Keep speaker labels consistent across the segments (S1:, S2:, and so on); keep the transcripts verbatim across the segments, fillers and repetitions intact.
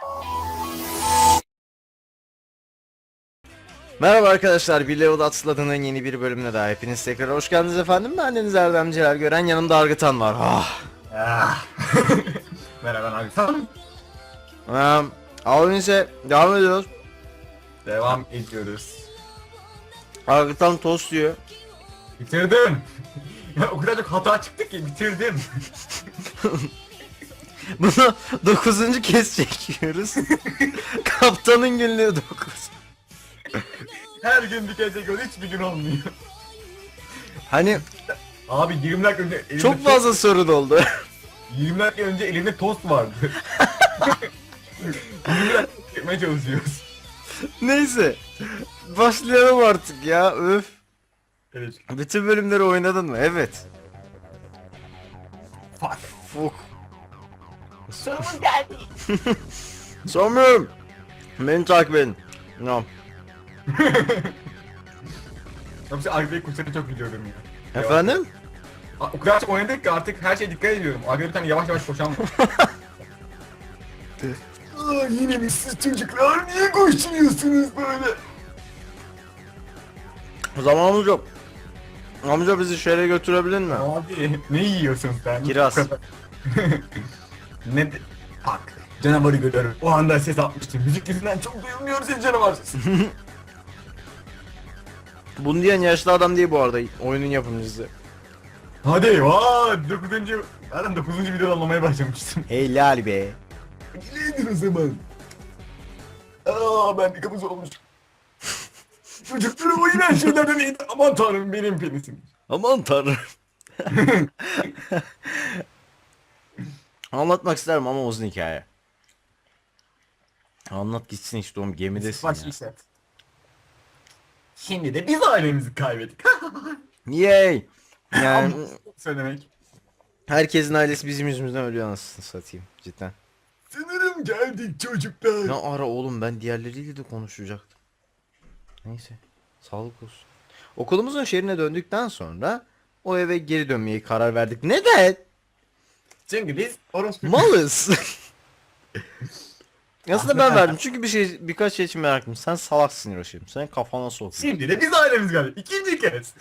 S1: Merhaba arkadaşlar, bir Level Atsladı'nın yeni bir bölümüne daha hepiniz tekrar hoş geldiniz efendim. Ben Deniz Erdem Celal Gören, yanımda Argıtan var. Ah.
S2: Ah. Merhaba abi. Tamam.
S1: Um, Abimize devam ediyoruz.
S2: Devam ediyoruz.
S1: Argıtan tost yiyor.
S2: Bitirdim. Ya o kadar çok hata çıktı ki bitirdim.
S1: Bunu dokuzuncu kez çekiyoruz. Kaptanın günlüğü dokuz.
S2: Her gün bir kez çekiyoruz, hiçbir gün olmuyor.
S1: Hani
S2: Abi yirmi dakika önce elimde
S1: çok fazla sorun oldu.
S2: tost, yirmi dakika önce elimde tost vardı. yirmi dakika çekmeye çalışıyoruz.
S1: Neyse. Başlayalım artık ya. Öf.
S2: Evet.
S1: Bütün bölümleri oynadın mı? Evet.
S2: Fuck.
S1: Fuk.
S2: Sonumuz geldi.
S1: Sanmıyorum. Beni takip edin. No.
S2: Yoksa Agri'yi kurtarı çok biliyorum ya.
S1: Efendim?
S2: A- O kadar çok oynadık ki artık her şeye dikkat ediyorum. Agri bir tane yavaş yavaş koşan var. Aa, yine mi siz çocuklar? Niye koşturuyorsunuz böyle?
S1: Zamanımız yok. Amca bizi şehre götürebilir mi?
S2: Abi ne yiyorsun sen?
S1: Kiraz.
S2: Ne de... Bak canavarı görüyorum. O anda ses atmıştım. Müzik yüzünden çok duyulmuyor senin canavar sesi.
S1: Bunu diyen yaşlı adam değil bu arada, oyunun yapımcısı.
S2: Hadi vaa dokuzuncu... Zaten dokuzuncu videoda anlamaya başlamıştım.
S1: Helal be.
S2: Neydin o zaman? Aa ben bir kapız olmuş. Çocukları oynayan şeylerden iyiydi. Aman tanrım benim penisim.
S1: Aman tanrım. Anlatmak isterim ama uzun hikaye. Anlat gitsin işte, oğlum gemidesin
S2: Baş
S1: ya.
S2: işlet. Şimdi de biz ailemizi kaybettik.
S1: Yay. Yani
S2: Ama söylemek.
S1: herkesin ailesi bizim yüzümüzden ölüyor, anasını satayım cidden.
S2: Sanırım geldik çocuklar.
S1: Ne ara oğlum, ben diğerleriyle de konuşacaktım. Neyse, sağlık olsun. Okulumuzun şehrine döndükten sonra o eve geri dönmeye karar verdik. Neden?
S2: Çünkü biz orospu...
S1: Malız. Aslında ben verdim çünkü bir şey, birkaç şey için meraklıyım. Sen salaksın Hiroşim. Sen kafana sok.
S2: Şimdi de biz ailemiz geldik. İkinci kez.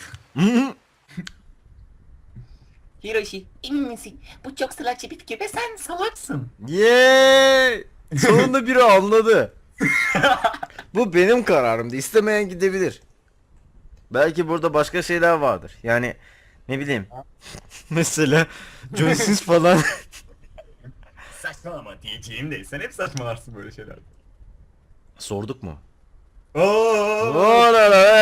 S3: Hiroshi, emin misin? Bu çok salakça bir fikir ve sen salaksın.
S1: Yeee! Sonunda biri anladı. Bu benim kararımdı. İstemeyen gidebilir. Belki burada başka şeyler vardır. Yani ne bileyim. Mesela John Sins falan.
S2: Saçmalama diyeceğim de sen hep saçmalarsın böyle şeyler.
S1: Sorduk mu?
S2: Ooo.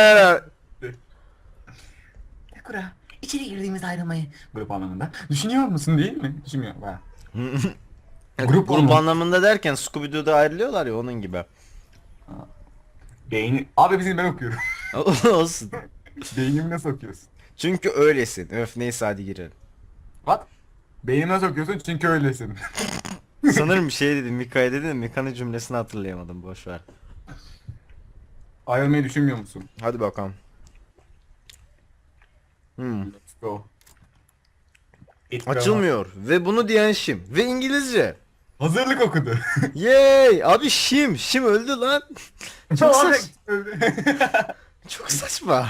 S3: Sakura, içeri girdiğimiz ayrılmayı.
S2: Grup anlamında. Düşünüyor musun değil mi? Düşünmüyor. Bak.
S1: Grup,
S2: Grup
S1: grup
S2: anlamı-
S1: anlamında derken Scooby-Doo'da ayrılıyorlar ya, onun gibi.
S2: Beyni... Abi bizim ben okuyorum.
S1: Olsun.
S2: Beynimi nasıl okuyorsun?
S1: Çünkü öylesin. Öf, neyse hadi girelim.
S2: What? Beynimi nasıl okuyorsun? Çünkü öylesin.
S1: Sanırım bir şey dedim. Mika'ya dedim. Mika'nın cümlesini hatırlayamadım. Boş ver.
S2: Ayrılmayı düşünmüyor musun?
S1: Hadi bakalım. Hmm.
S2: Let's go. It
S1: Açılmıyor. Ve bunu diyen Şim. Ve İngilizce.
S2: Hazırlık okudu.
S1: Yay! Abi Şim. Şim öldü lan. Çok
S2: Abi,
S1: saç. Çok saçma.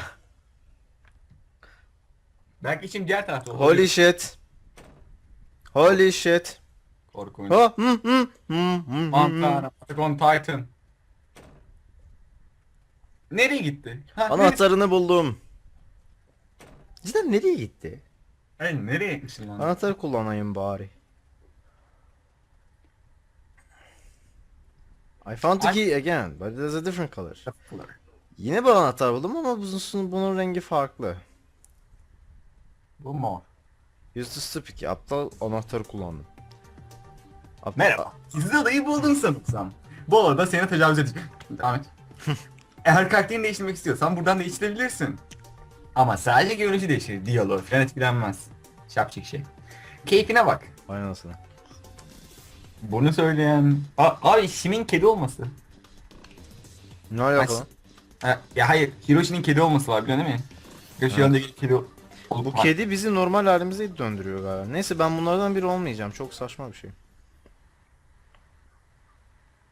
S2: Belki şimdi diğer tarafta olur.
S1: Holy shit. Holy shit.
S2: Korkunç.
S1: Ha, hı, hı, hı, hı, hı.
S2: Montana, Attack on Titan. Nereye gitti? Ha, nereye...
S1: Anahtarını buldum. Cidden nereye gitti?
S2: Hey, nereye gitmişsin lan?
S1: Anahtarı kullanayım bari. I found the key again, but it has a different color. Yine bir anahtar buldum ama bunun, bunun rengi farklı.
S2: Bu mu?
S1: Use the stupid key. Aptal anahtarı kullandım. Aptal-
S2: Merhaba. Siz de adayı buldun sanırsam. Bu arada seni tecavüz edeceğim. Ahmet. Eğer karakterini değiştirmek istiyorsan buradan değiştirebilirsin. Ama sadece görünüşü değişir. Diyalog falan etkilenmez. Şapçık şey. Keyfine bak.
S1: Vay anasını.
S2: Bunu söyleyen... A abi Şim'in kedi olması.
S1: Ne alaka lan?
S2: Ha, ya hayır, Hiroshi'nin kedi olması var biliyorsun değil mi? Hiroshi yanındaki kedi olup
S1: Bu
S2: var.
S1: kedi bizi normal halimize döndürüyor galiba. Neyse, ben bunlardan biri olmayacağım. Çok saçma bir şey.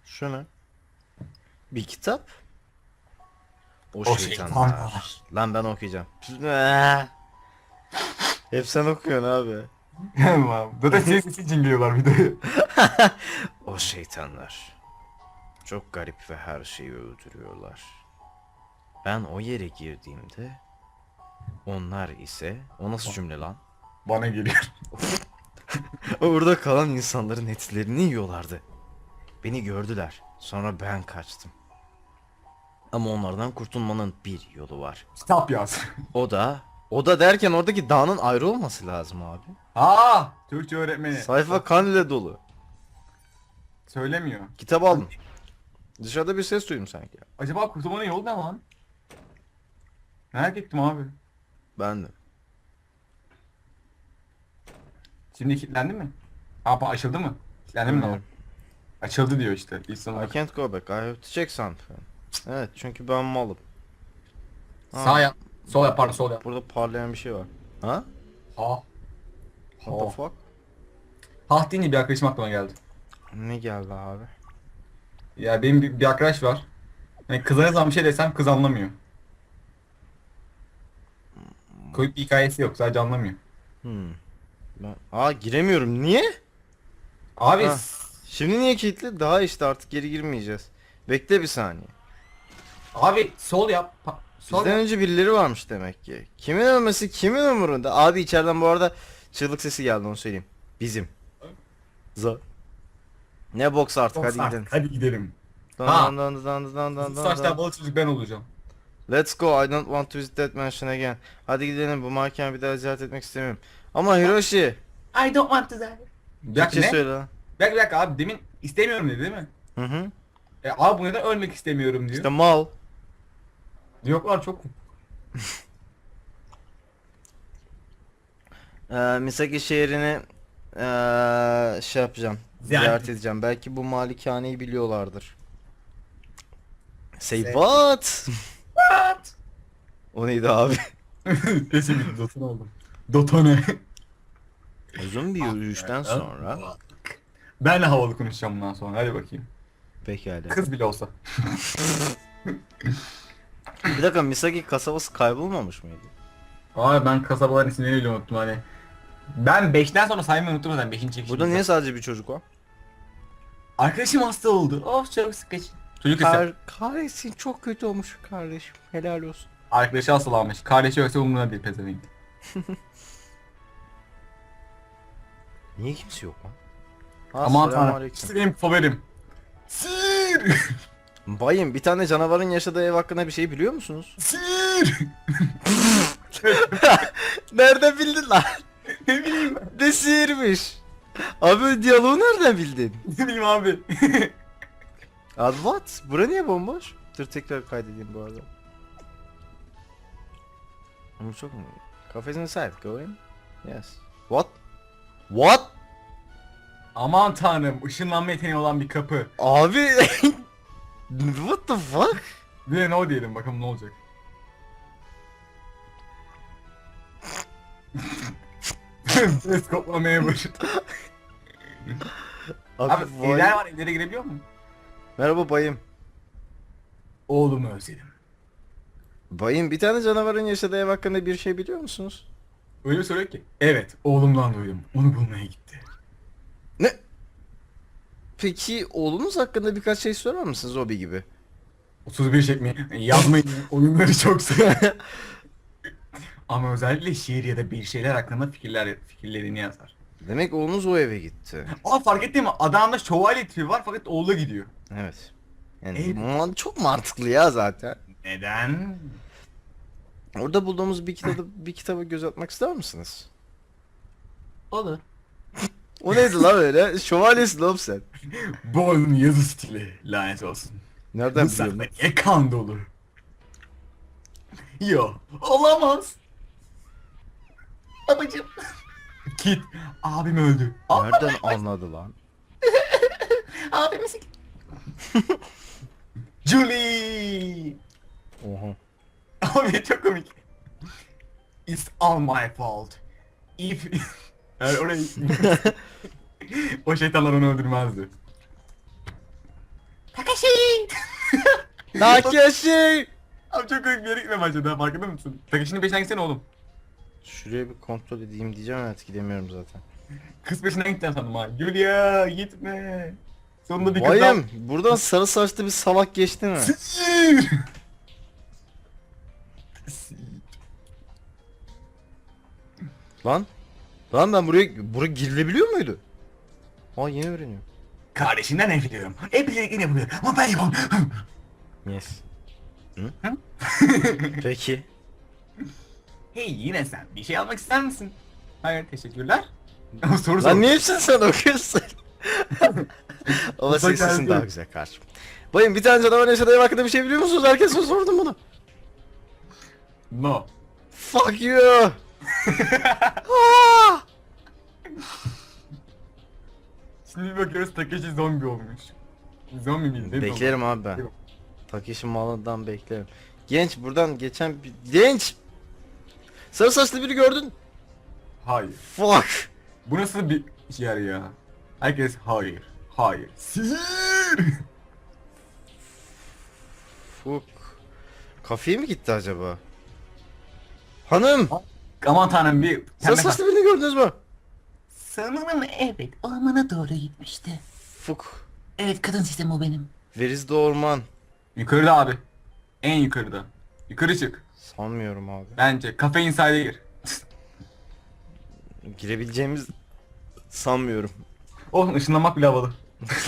S1: Şu ne? Bir kitap. O,
S2: O
S1: şeytanlar.
S2: şeytanlar.
S1: Lan ben okuyacağım. Eee. Hep sen okuyorsun abi.
S2: Tamam. Zaten senin sesi cinliyorlar videoyu.
S1: O şeytanlar. Çok garip ve her şeyi öldürüyorlar. Ben o yere girdiğimde onlar ise o nasıl cümle lan?
S2: Bana geliyor.
S1: Orada kalan insanların etlerini yiyorlardı. Beni gördüler. Sonra ben kaçtım. Ama onlardan kurtulmanın bir yolu var.
S2: Kitap yaz.
S1: O da o da derken oradaki dağın ayrı olması lazım abi.
S2: Aa, Türkçe öğretmeni.
S1: Sayfa kan ile dolu.
S2: Söylemiyor.
S1: Kitap aldım. Dışarıda bir ses duydum sanki.
S2: Acaba kurtulmanın yolu ne lan? Merak ettim abi.
S1: Ben de.
S2: Şimdi kilitlendi mi? Aa, açıldı mı? Kilitlendi mi lan?
S1: Bilmiyorum.
S2: Açıldı diyor işte. İlk
S1: I
S2: sonra.
S1: can't go back. I have to check something. Evet çünkü ben malım. Ha,
S2: Sağ yap. Sol yap pardon sol yap.
S1: burada parlayan bir şey var. Ha?
S2: Ha.
S1: What the fuck?
S2: Ha deyince bir arkadaşım aklıma geldi.
S1: Ne geldi abi?
S2: Ya benim bir, bir arkadaş var. Yani kıza ne zaman bir şey desem kız anlamıyor. Koyup bir hikayesi yok sadece anlamıyor.
S1: Hmm. Ben... Aa giremiyorum. Niye?
S2: Abi
S1: Ha. Şimdi niye kilitli? Daha işte artık geri girmeyeceğiz. Bekle bir saniye.
S2: abi sol yap. Pa- sol
S1: Bizden
S2: yap.
S1: önce birileri varmış demek ki. Kimin ölmesi kimin umurunda? Abi içeriden bu arada çığlık sesi geldi onu söyleyeyim. Bizim. Za. Ne boks artık hadi
S2: Hadi
S1: gidelim.
S2: Hadi gidelim.
S1: Dan
S2: Ha.
S1: dan dan dan dan dan dan
S2: Saçlar
S1: dan.
S2: balık çocuk ben olacağım.
S1: Let's go. I don't want to visit that mansion again. Hadi gidelim. Bu mahkeme bir daha ziyaret etmek istemiyorum. Ama Hiroshi.
S3: I don't want to die.
S2: Bir dakika
S1: Türkçe
S2: ne?
S1: söyle lan.
S2: Bir dakika, bir dakika abi demin istemiyorum dedi değil mi?
S1: Hı hı.
S2: E abi bu neden ölmek istemiyorum diyor.
S1: İşte mal.
S2: Yok lan çok.
S1: Ee, Misaki şehrini ee, şey yapacağım.
S2: Ziyaret
S1: Ziyaret edeceğim. Belki bu malikaneyi biliyorlardır. Say
S2: Say-
S1: what?
S2: What?
S1: O neydi abi?
S2: Kesin bir Dotun oldum. Dotone.
S1: Uzun bir yürüyüşten sonra
S2: Ben de havalı konuşacağım bundan sonra hadi bakayım.
S1: pekala.
S2: Kız bile olsa.
S1: Bir dakika Misaki kasabası kaybolmamış mıydı?
S2: Abi ben kasabaların isimlerini bile unuttum hani. Ben beşten sonra saymayı unuttum zaten beşinci çekişimde.
S1: Burada niye sadece bir çocuk var?
S2: Arkadaşım hasta oldu.
S3: Of çok sıkıcı.
S2: Çocuk ise
S1: Kar kahretsin çok kötü olmuş kardeşim. Helal olsun.
S2: arkadaşı hastalanmış. Kardeşi yoksa umuruna değil pezevenk.
S1: Niye kimse yok lan?
S2: Aman tanrım.
S1: Selamünaleyküm.
S2: İşte benim favorim. Sir!
S1: Bayım bir tane canavarın yaşadığı ev hakkında bir şey biliyor musunuz?
S2: Sir!
S1: Nereden bildin lan?
S2: Ne bileyim ben.
S1: Ne sihirmiş? Abi diyaloğu nereden bildin?
S2: Ne bileyim abi.
S1: Abi what? Bura niye bomboş? Dur tekrar kaydedeyim bu arada. Ama çok mu? Cafe's inside. Go in. Yes. What? What?
S2: Aman tanrım ışınlanma yeteneği olan bir kapı.
S1: Abi what the fuck?
S2: Bir de no diyelim bakalım ne olacak. Ses koplamaya başladı.
S1: Abi,
S2: Abi
S1: vay-
S2: evler var evlere girebiliyor mu?
S1: Merhaba bayım.
S2: Oğlumu özledim.
S1: Bayım bir tane canavarın yaşadığı ev hakkında bir şey biliyor musunuz?
S2: Öyle bir soruyor ki. Evet oğlumdan duydum. Onu bulmaya gitti.
S1: Ne? Peki oğlunuz hakkında birkaç şey sorar mısınız Obi gibi?
S2: otuz bir çekmeyi yazmayın. Oyunları çok sever. Ama özellikle şiir ya da bir şeyler hakkında fikirler fikirlerini yazar.
S1: Demek oğlunuz o eve gitti.
S2: Aa fark ettin mi? Adamda şövalye tipi var fakat oğlu gidiyor.
S1: Evet. Yani
S2: Ev-
S1: man- çok mantıklı ya zaten.
S2: Neden?
S1: Orada bulduğumuz bir kitabı bir kitaba göz atmak ister misiniz?
S3: Olur.
S1: O neydi lan öyle? Şövalyesin oğlum sen.
S2: Bu oyunun yazı stili lanet olsun.
S1: Nereden
S2: Bu
S1: biliyorsun?
S2: sayfa niye kan dolu? Yo, olamaz.
S3: Babacım.
S2: Kit, abim öldü. Aa,
S1: Nereden anladı lan?
S3: Abimiz.
S2: Julie!
S1: Oha.
S2: Abi çok komik. It's all my fault. If... Yani orayı... o şeytanlar onu öldürmezdi.
S3: Takashi.
S1: Takeshi!
S2: Abi çok komik bir yere gitmeye başladı ha, farkında mısın? Takışının peşinden gitsene oğlum.
S1: Şuraya bir kontrol edeyim diyeceğim, evet gidemiyorum zaten.
S2: Kız peşinden gideceğim sandım ha. Julia gitme. Sonunda bir kız
S1: Bayım, buradan sarı saçlı bir salak geçti mi?
S2: Sihir!
S1: Lan? Lan ben buraya, buraya girilebiliyor muydu? Aa yeni öğreniyorum.
S2: Kardeşinden nefret ediyorum. Hep birlikte yapılıyor ama ben yapamam.
S1: Yes. Hı? Peki.
S2: Hey yine sen bir şey almak ister misin? Hayır teşekkürler. Soru
S1: Lan
S2: sor.
S1: niye hepsini sen okuyorsun? Ama
S2: Bak,
S1: senin sesin
S2: herkes-
S1: daha güzel kardeşim. Bayım bir tane canavar yaşadığı hakkında bir şey biliyor musunuz? Herkese sordum bunu.
S2: No.
S1: Fuck you. Aa!
S2: Şimdi bir bakıyoruz Takeshi zombi olmuş. Zombi miydi? Ne
S1: Beklerim abi ben. Takeshi malından beklerim. Genç buradan geçen bir... Genç! Sarı saçlı biri gördün.
S2: Hayır.
S1: Fuck.
S2: Bu nasıl bir yer ya? Herkes hayır. Hayır. Sihir!
S1: Fuck. Kafeye mi gitti acaba? Hanım!
S2: Aman tanrım bir...
S1: Sarı saçlı birini gördünüz mü?
S3: Sanırım evet ormana doğru gitmişti.
S1: Fuck.
S3: Evet kadın sistemi o benim.
S1: Where is the orman?
S2: Yukarıda abi. En yukarıda. Yukarı çık.
S1: Sanmıyorum abi.
S2: Bence kafe inside'e gir.
S1: Girebileceğimiz sanmıyorum.
S2: Oh ışınlanmak bile havalı.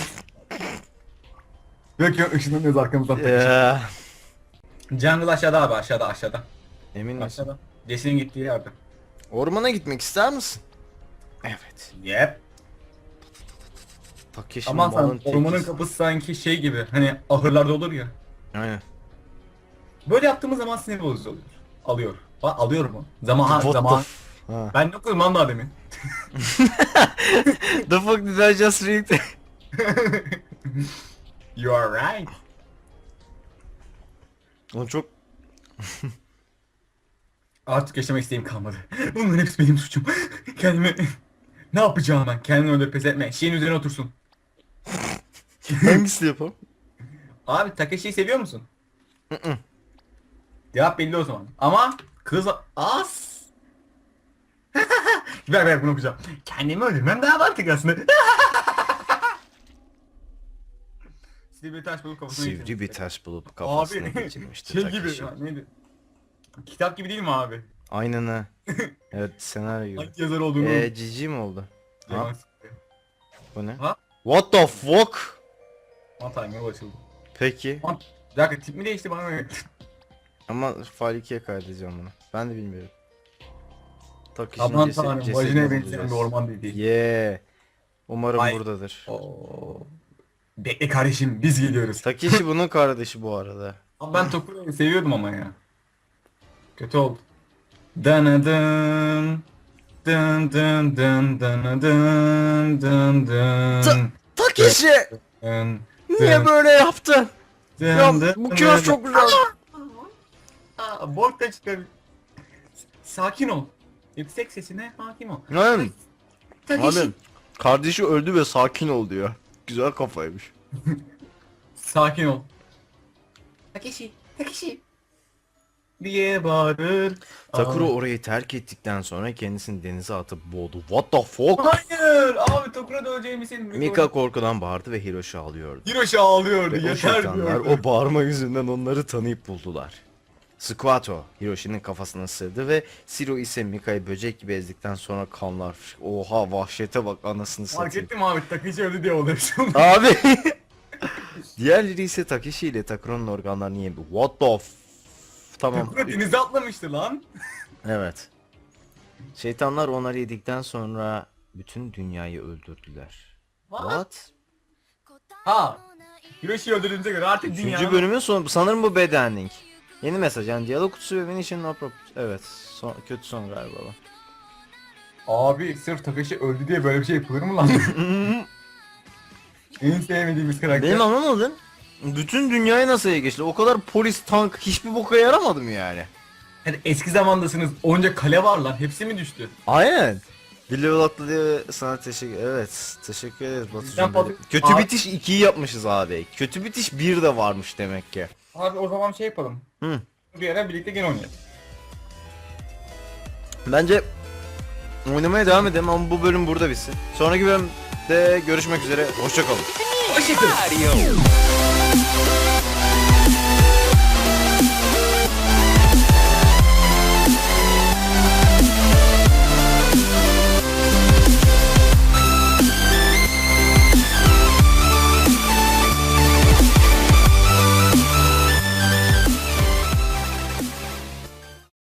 S2: Yok yok ışınlanıyoruz arkamızdan.
S1: Ya.
S2: Jungle aşağıda abi aşağıda aşağıda.
S1: Emin misin?
S2: Aşağıda. Jesse'nin gittiği yerde.
S1: Ormana gitmek ister misin? Evet.
S2: Yep.
S1: Takeshi
S2: Aman
S1: malın
S2: tanrım ormanın
S1: tekiz.
S2: kapısı sanki şey gibi hani ahırlarda olur ya.
S1: Aynen.
S2: Böyle yaptığımız zaman sinir bozucu oluyor. Alıyor. Bak alıyor mu? Zaman
S1: What the
S2: zaman.
S1: f- Ha.
S2: Ben ne okudum lan daha demin.
S1: The fuck did I just read?
S2: You are right.
S1: Oğlum çok...
S2: Artık yaşamak isteğim kalmadı. Bunların hepsi benim suçum. Kendimi... Ne yapacağım ben? Kendini öyle pes etme. Şeyin üzerine otursun.
S1: Hangisini yapalım?
S2: Abi Takeshi'yi seviyor musun? Cevap belli o zaman. Ama kız az. ver ver bunu okuyacağım. Kendimi öldürmem daha mantıklı aslında. Sivri bir taş bulup kafasına
S1: Sivri
S2: geçirmiş.
S1: bir taş bulup kafasına
S2: Abi
S1: geçirmişti
S2: şey gibi
S1: Takeshi.
S2: ya, neydi? Kitap gibi değil mi abi?
S1: Aynen ha. Evet senaryo gibi.
S2: Hangi yazar olduğunu
S1: Eee cici mi oldu? Ha?
S2: Yalan.
S1: Bu ne?
S2: Ha?
S1: What the fuck?
S2: Aman tanrım yol açıldı.
S1: Peki.
S2: Aman, bir dakika tip mi değişti bana öyle?
S1: Ama file ikiye kaydedeceğim bunu. Ben de bilmiyorum. Takeshi'nin
S2: Aman
S1: cesedi-
S2: tanrım
S1: cesedini
S2: vajinaya benzeyen
S1: bulacağız.
S2: bir orman dedi.
S1: Yeah. Umarım
S2: Ay.
S1: buradadır.
S2: Oo. Bekle kardeşim biz geliyoruz.
S1: Takeshi bunun kardeşi bu arada.
S2: Abi ben Tokura'yı seviyordum ama ya. Kötü oldu. Danadın. Dın dın dın dın dın dın dın.
S1: Ta- Takeshi!
S2: Dın
S1: Niye böyle yaptın?
S2: dın
S1: Ya
S2: dın
S1: bu
S2: dın
S1: kıyas
S2: dın.
S1: çok güzel.
S2: Aa, Borg da çıkar. Sakin ol. Yüksek sesine hakim ol.
S1: Lan
S3: Takeshi.
S1: abi kardeşi öldü ve sakin ol diyor. Güzel kafaymış.
S2: Sakin ol.
S3: Takeshi. Takeshi.
S2: Diye bağırır.
S1: Takuro
S2: Aa.
S1: orayı terk ettikten sonra kendisini denize atıp boğdu. What the fuck?
S2: Hayır abi Tokura'da öleceğimi senin.
S1: Mika korkudan bağırdı ve Hiroshi ağlıyordu.
S2: Hiroshi ağlıyordu.
S1: Ve o
S2: Yeter
S1: şeytanlar
S2: diyordu.
S1: o bağırma yüzünden onları tanıyıp buldular. Squato Hiroshi'nin kafasına sığdı ve Shiro ise Mika'yı böcek gibi ezdikten sonra kanlar. Oha vahşete bak anasını
S2: Fark
S1: satayım.
S2: ettim abi Takeshi öldü diye oluyor şu an.
S1: Abi. Diğerleri ise Takeshi ile Takuro'nun organlarını yedi. What the f... Tamam.
S2: Takura denize atlamıştı lan.
S1: Evet. Şeytanlar onları yedikten sonra bütün dünyayı öldürdüler. What?
S2: Ha. Hiroshi'yi öldürdüğümüze göre artık
S1: Üçüncü
S2: dünya...
S1: bölümün sonu. Sanırım bu bad ending. Yeni mesaj yani diyalog kutusu ve Venetian no Pro- Evet. Son, kötü son galiba bu.
S2: Abi sırf Takeshi öldü diye böyle bir şey yapılır mı lan? En sevmediğimiz karakter.
S1: Benim anlamadım. Bütün dünyayı nasıl ele geçti? O kadar polis, tank hiçbir boka yaramadı mı yani?
S2: Hani eski zamandasınız onca kale var lan hepsi mi düştü?
S1: Aynen. Bir level atladı diye sana teşekkür Evet teşekkür ederiz Batucuğum.
S2: Bizden fazla-
S1: Kötü
S2: Abi-
S1: bitiş ikiyi yapmışız abi. Kötü bitiş bir de varmış demek ki.
S2: Abi o zaman şey yapalım.
S1: Hı.
S2: Bir ara birlikte gene oynayalım.
S1: Bence oynamaya devam edelim ama bu bölüm burada bitsin. Sonraki bölümde görüşmek üzere. Hoşça kalın.
S2: Hoşçakalın.